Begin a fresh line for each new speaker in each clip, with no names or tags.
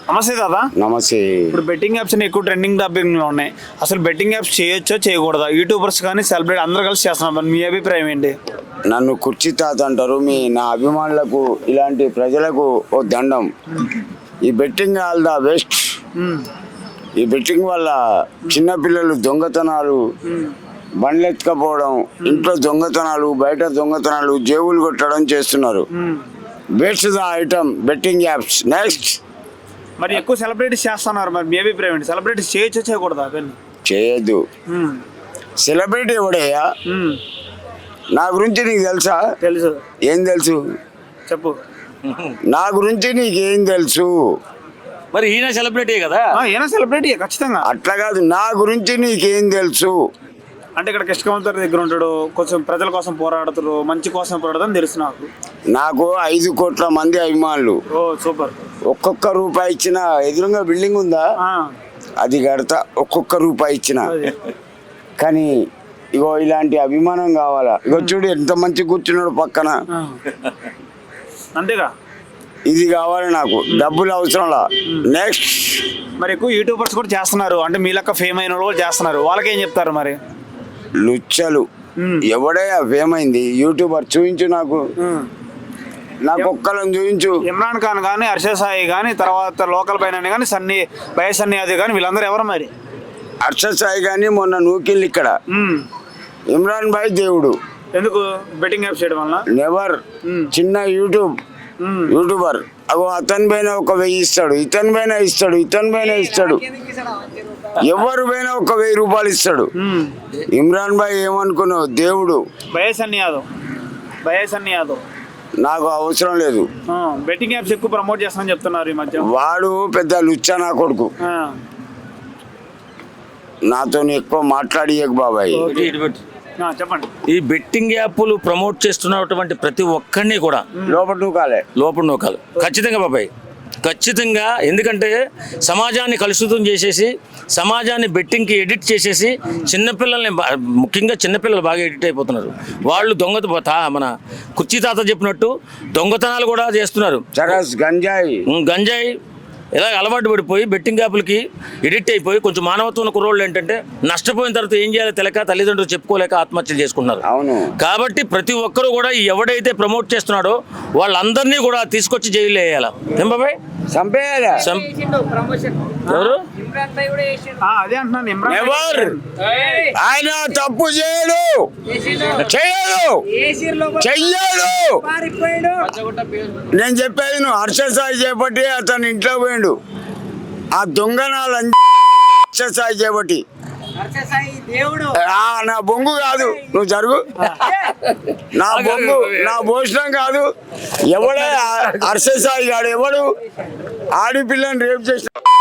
నమస్తే దాదా.
నమస్తే.
ఇప్పుడు బెట్టింగ్ యాప్స్ ఎక్కువ ట్రెండింగ్ టాపిక్ లో ఉన్నాయి. అసలు బెట్టింగ్ యాప్స్ చేయొచ్చో చేయకూడదా? యూట్యూబర్స్ కానీ సెలబ్రిటీ అందరూ కలిసి చేస్తున్నారు. మరి మీ అభిప్రాయం ఏంటి?
నన్ను కుర్చీ తాత అంటారు. నా అభిమానులకు ఇలాంటి ప్రజలకు ఓ దండం. ఈ బెట్టింగ్ ఆల్ ద బెస్ట్. ఈ బెట్టింగ్ వల్ల చిన్నపిల్లలు దొంగతనాలు, బండ్లు ఎత్తుకపోవడం, ఇంట్లో దొంగతనాలు, బయట దొంగతనాలు, జేబులు కొట్టడం చేస్తున్నారు. Best the item betting apps. Next
మరి ఎక్కువ సెలబ్రిటీస్ చేస్తున్నారు. మరి మీ అభిప్రాయం ఏంటి? సెలబ్రిటీస్ చేయొచ్చో చేయకూడదా?
చేయొద్దు. సెలబ్రిటీ ఎవడయ్యా? నా గురించి నీకు తెలుసా?
తెలుసు.
ఏం తెలుసు
చెప్పు.
నా గురించి నీకేం తెలుసు?
మరి ఈయన సెలబ్రిటీ కదా.
ఈయన సెలబ్రిటీ ఖచ్చితంగా.
అట్లా కాదు, నా గురించి నీకేం తెలుసు
అంటే ఇక్కడ కృష్ణవంతరి దగ్గర ఉంటాడు, కొంచెం ప్రజల కోసం పోరాడుతారు, మంచి కోసం పోరాడదని తెలుసు నాకు.
నాకు 5 కోట్ల మంది అభిమానులు.
ఓ సూపర్.
ఒక్కొక్క రూపాయి ఇచ్చిన, ఎదురుగా బిల్డింగ్ ఉందా అది కడతా, ఒక్కొక్క రూపాయి ఇచ్చిన. కానీ ఇగో ఇలాంటి అభిమానం కావాలా? ఇగో చూడు ఎంత మంచి కూర్చున్నాడు పక్కన.
అంతేగా,
ఇది కావాలి నాకు. డబ్బులు అవసరంలా. నెక్స్ట్
మరి ఎక్కువ యూట్యూబర్స్ కూడా చేస్తున్నారు. అంటే మీ లెక్క ఫేమ్ అయిన వాళ్ళు చేస్తున్నారు. వాళ్ళకేం చెప్తారు మరి?
లుచ్చలు ఎవడయ్యా ఫేమ్ అయింది? యూట్యూబర్ చూపించు నాకు. నాకు ఒక్కళ్ళని చూపించు.
ఇమ్రాన్ ఖాన్ కానీ, హర్షద్ సాయి కానీ, తర్వాత లోకల్ పైన కానీ, సన్నీ అది కానీ, వీళ్ళందరూ ఎవరు మరి?
హర్షద్ సాయి కానీ మొన్న నూకిల్ ఇక్కడ. ఇమ్రాన్ భాయ్ దేవుడు.
ఎందుకు? బెట్టింగ్ యాప్ చేయడం వల్ల?
నెవర్. చిన్న యూట్యూబర్. అగో అతని పైన ఒక 1000 ఇస్తాడు, ఇతని పైన ఇస్తాడు, ఇతని పైన ఇస్తాడు, ఎవరు పైన ఒక 1000 రూపాయలు ఇస్తాడు. ఇమ్రాన్ భాయ్ ఏమనుకున్నావు? దేవుడు.
సన్నీ యాదవ్
నాకు అవసరం లేదు.
బెట్టింగ్ యాప్స్ ఎక్కువ ప్రమోట్ చేస్తానని చెప్తున్నారు ఈ మధ్య.
వాడు పెద్ద లుచ్చా నా కొడుకు. నాతో ఎక్కువ మాట్లాడియకు బాబాయ్.
చెప్పండి.
ఈ బెట్టింగ్ యాప్లు ప్రమోట్ చేస్తున్నటువంటి ప్రతి ఒక్కరిని కూడా
లోపల
నూకాలి. ఖచ్చితంగా బాబాయ్, ఖచ్చితంగా. ఎందుకంటే సమాజాన్ని కలుషితం చేసేసి, సమాజాన్ని బెట్టింగ్కి ఎడిట్ చేసేసి, చిన్నపిల్లల్ని, ముఖ్యంగా చిన్నపిల్లలు బాగా ఎడిట్ అయిపోతున్నారు. వాళ్ళు మన కుర్చీ తాత చెప్పినట్టు దొంగతనాలు కూడా చేస్తున్నారు. గంజాయి ఇలా అలవాటు పడిపోయి బెట్టింగ్ యాప్లకి ఎడిట్ అయిపోయి, కొంచెం మానవత్వం కుర్రోళ్ళు ఏంటంటే నష్టపోయిన తర్వాత ఏం చేయాలో తెలియక, తల్లిదండ్రులు చెప్పుకోలేక ఆత్మహత్యలు చేసుకుంటున్నారు. కాబట్టి ప్రతి ఒక్కరూ కూడా ఎవడైతే ప్రమోట్ చేస్తున్నాడో వాళ్ళందరినీ కూడా తీసుకొచ్చి జైలు వేయాలి. ఏం బాబాయ్?
చంపేయాలి.
ఎవరు?
అదే అంటున్నాను.
ఆయన తప్పు చెయ్యడు. నేను చెప్పేది నువ్వు. హర్షద్ సాయి చేపట్టి అతను ఇంట్లో పోయిండు. ఆ దొంగనాలు హర్షద్ సాయి చేపట్టి. నా బొంగు కాదు, నువ్వు జరుగు. నా భోజనం కాదు. ఎవడే హర్షద్ సాయి గాడు? ఎవడు ఆడపిల్లని రేపు చేసిన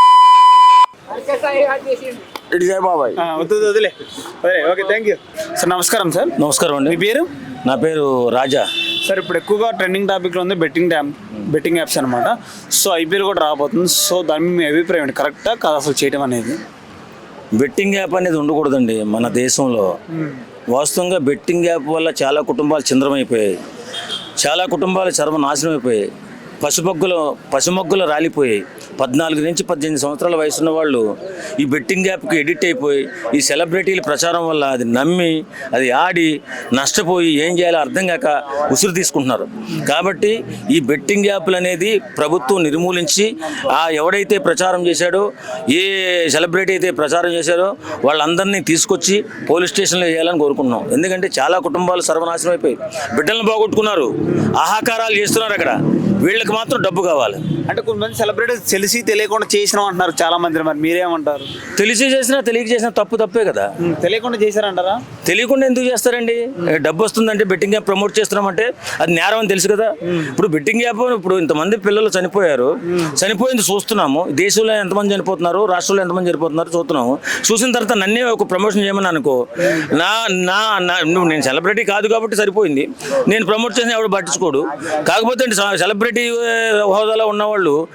బాబాయ్?
వదిలే. Okay, thank you sir. నమస్కారం సార్.
నమస్కారం అండి.
మీ పేరు?
నా పేరు రాజా
సార్. ఇప్పుడు ఎక్కువగా ట్రెండింగ్ టాపిక్లో ఉంది బెట్టింగ్ యాప్స్ అనమాట. సో ఐపీఎల్ కూడా రాబోతుంది. సో దాని మీ అభిప్రాయం ఏంటి? కరెక్టా కాదు అసలు చేయడం అనేది?
బెట్టింగ్ యాప్ అనేది ఉండకూడదండి మన దేశంలో. వాస్తవంగా బెట్టింగ్ యాప్ వల్ల చాలా కుటుంబాలు చింద్రమైపోయాయి, చాలా కుటుంబాలు సర్వనాశనం అయిపోయాయి, పసిమొగ్గులు రాలిపోయాయి. 14 నుంచి 18 సంవత్సరాల వయసున్న వాళ్ళు ఈ బెట్టింగ్ యాప్కి ఎడిట్ అయిపోయి, ఈ సెలబ్రిటీల ప్రచారం వల్ల అది నమ్మి, అది ఆడి నష్టపోయి ఏం చేయాలో అర్థం కాక ఉసురు తీసుకుంటున్నారు. కాబట్టి ఈ బెట్టింగ్ యాప్లు అనేది ప్రభుత్వం నిర్మూలించి, ఎవడైతే ప్రచారం చేశాడో, ఏ సెలబ్రిటీ అయితే ప్రచారం చేశారో వాళ్ళందరినీ తీసుకొచ్చి పోలీస్ స్టేషన్లో వేయాలని కోరుకుంటున్నాం. ఎందుకంటే చాలా కుటుంబాలు సర్వనాశనం అయిపోయి బిడ్డలను బాగొట్టుకున్నారు, ఆహాకారాలు చేస్తున్నారు. అక్కడ వీళ్ళకి మాత్రం డబ్బు కావాలి.
అంటే కొంతమంది సెలబ్రిటీస్ తెలిసి తెలియకుండా చేసినాం అంటున్నారు చాలా మంది. మరి మీరేమంటారు?
తెలిసి చేసినా తెలియక చేసినా తప్పే కదా.
తెలియకుండా చేశారంటారా?
తెలియకుండా ఎందుకు చేస్తారండి? డబ్బు వస్తుందంటే బెట్టింగ్ యాప్ ప్రమోట్ చేస్తున్నామంటే అది నేరం అని తెలుసు కదా. ఇప్పుడు బెట్టింగ్ యాప్, ఇప్పుడు ఇంతమంది పిల్లలు చనిపోయారు, చనిపోయింది చూస్తున్నాము. దేశంలో ఎంతమంది చనిపోతున్నారు, రాష్ట్రంలో ఎంతమంది చనిపోతున్నారు చూస్తున్నాము. చూసిన తర్వాత నన్నే ఒక ప్రమోషన్ చేయమని అనుకో, నేను సెలబ్రిటీ కాదు కాబట్టి సరిపోయింది, నేను ప్రమోట్ చేసిన ఎవడు పట్టించుకోడు. కాకపోతే సెలబ్రిటీ హోదాలో ఉన్నవాళ్ళు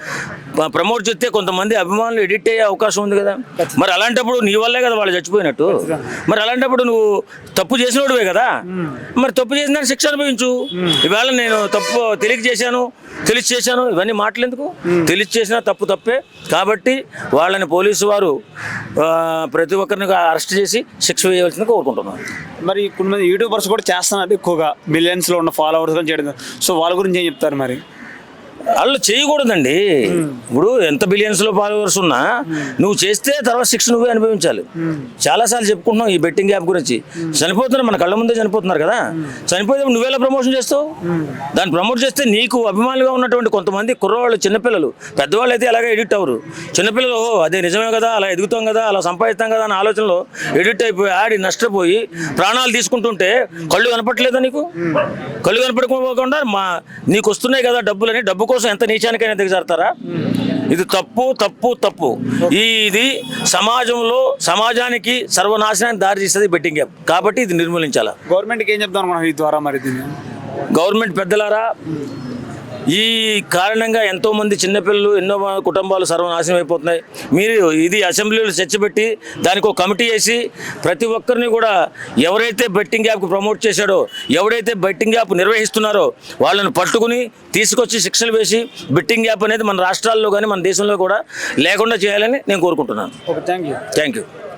ప్రమోట్ చేస్తే కొంతమంది అభిమానులు ఎడిట్ అయ్యే అవకాశం ఉంది కదా. మరి అలాంటప్పుడు నీ వల్లే కదా వాళ్ళు చచ్చిపోయినట్టు. మరి అలాంటప్పుడు నువ్వు తప్పు చేసినోడివే కదా, మరి తప్పు చేసిన శిక్ష అనుభవించు. ఇవాళ నేను తప్పు తెలిసి చేశాను ఇవన్నీ మాటలు ఎందుకు? తెలిసి చేసినా తప్పు తప్పే. కాబట్టి వాళ్ళని పోలీసు వారు ప్రతి ఒక్కరిని అరెస్ట్ చేసి శిక్ష వేయవలసింది కోరుకుంటున్నాను.
మరి కొంతమంది యూట్యూబర్స్ కూడా చేస్తున్నారు ఎక్కువగా, మిలియన్స్లో ఉన్న ఫాలోవర్స్ అని చేయడం. సో వాళ్ళ గురించి ఏం చెప్తారు మరి?
వాళ్ళు చేయకూడదండి. ఇప్పుడు ఎంత బిలియన్స్లో ఫాలోవర్స్ ఉన్నా నువ్వు చేస్తే తర్వాత శిక్ష నువ్వే అనుభవించాలి. చాలాసార్లు చెప్పుకుంటున్నాం ఈ బెట్టింగ్ యాప్ గురించి. చనిపోతున్నారు, మన కళ్ళ ముందే చనిపోతున్నారు కదా. చనిపోతే నువ్వెలా ప్రమోషన్ చేస్తావు? దాన్ని ప్రమోట్ చేస్తే నీకు అభిమానులుగా ఉన్నటువంటి కొంతమంది కుర్రవాళ్ళు, చిన్నపిల్లలు, పెద్దవాళ్ళు అయితే అలాగే ఎడిట్ అవ్వరు. చిన్నపిల్లలు అదే నిజమే కదా, అలా ఎదుగుతాం కదా, అలా సంపాదిస్తాం కదా అనే ఆలోచనలో ఎడిట్ అయిపోయి ఆడి నష్టపోయి ప్రాణాలు తీసుకుంటుంటే కళ్ళు కనపట్లేదా నీకు? కళ్ళు కనపడకుండా నీకు వస్తున్నాయి కదా డబ్బులని, డబ్బు కోసం ఎంత నీచానికైనా దిగజారుతారా? ఇది తప్పు తప్పు తప్పు. ఇది సమాజానికి సర్వనాశనానికి దారి తీస్తుంది బెట్టింగ్ యాప్. కాబట్టి ఇది నిర్మూలించాలా.
గవర్నమెంట్కి ఏం చెప్తాను అనుకున్నాను ఈ ద్వారా మరి దీన్ని?
గవర్నమెంట్ పెద్దలారా, ఈ కారణంగా ఎంతోమంది చిన్నపిల్లలు, ఎన్నో కుటుంబాలు సర్వనాశనం అయిపోతున్నాయి. మీరు ఇది అసెంబ్లీలో చర్చ పెట్టి దానికి ఒక కమిటీ వేసి ప్రతి ఒక్కరిని కూడా ఎవరైతే బెట్టింగ్ యాప్కి ప్రమోట్ చేశాడో, ఎవరైతే బెట్టింగ్ యాప్ నిర్వహిస్తున్నారో వాళ్ళని పట్టుకుని తీసుకొచ్చి శిక్షలు వేసి బెట్టింగ్ యాప్ అనేది మన రాష్ట్రాల్లో కానీ మన దేశంలో కూడా లేకుండా చేయాలని నేను కోరుకుంటున్నాను.
Okay, thank you.
Thank you.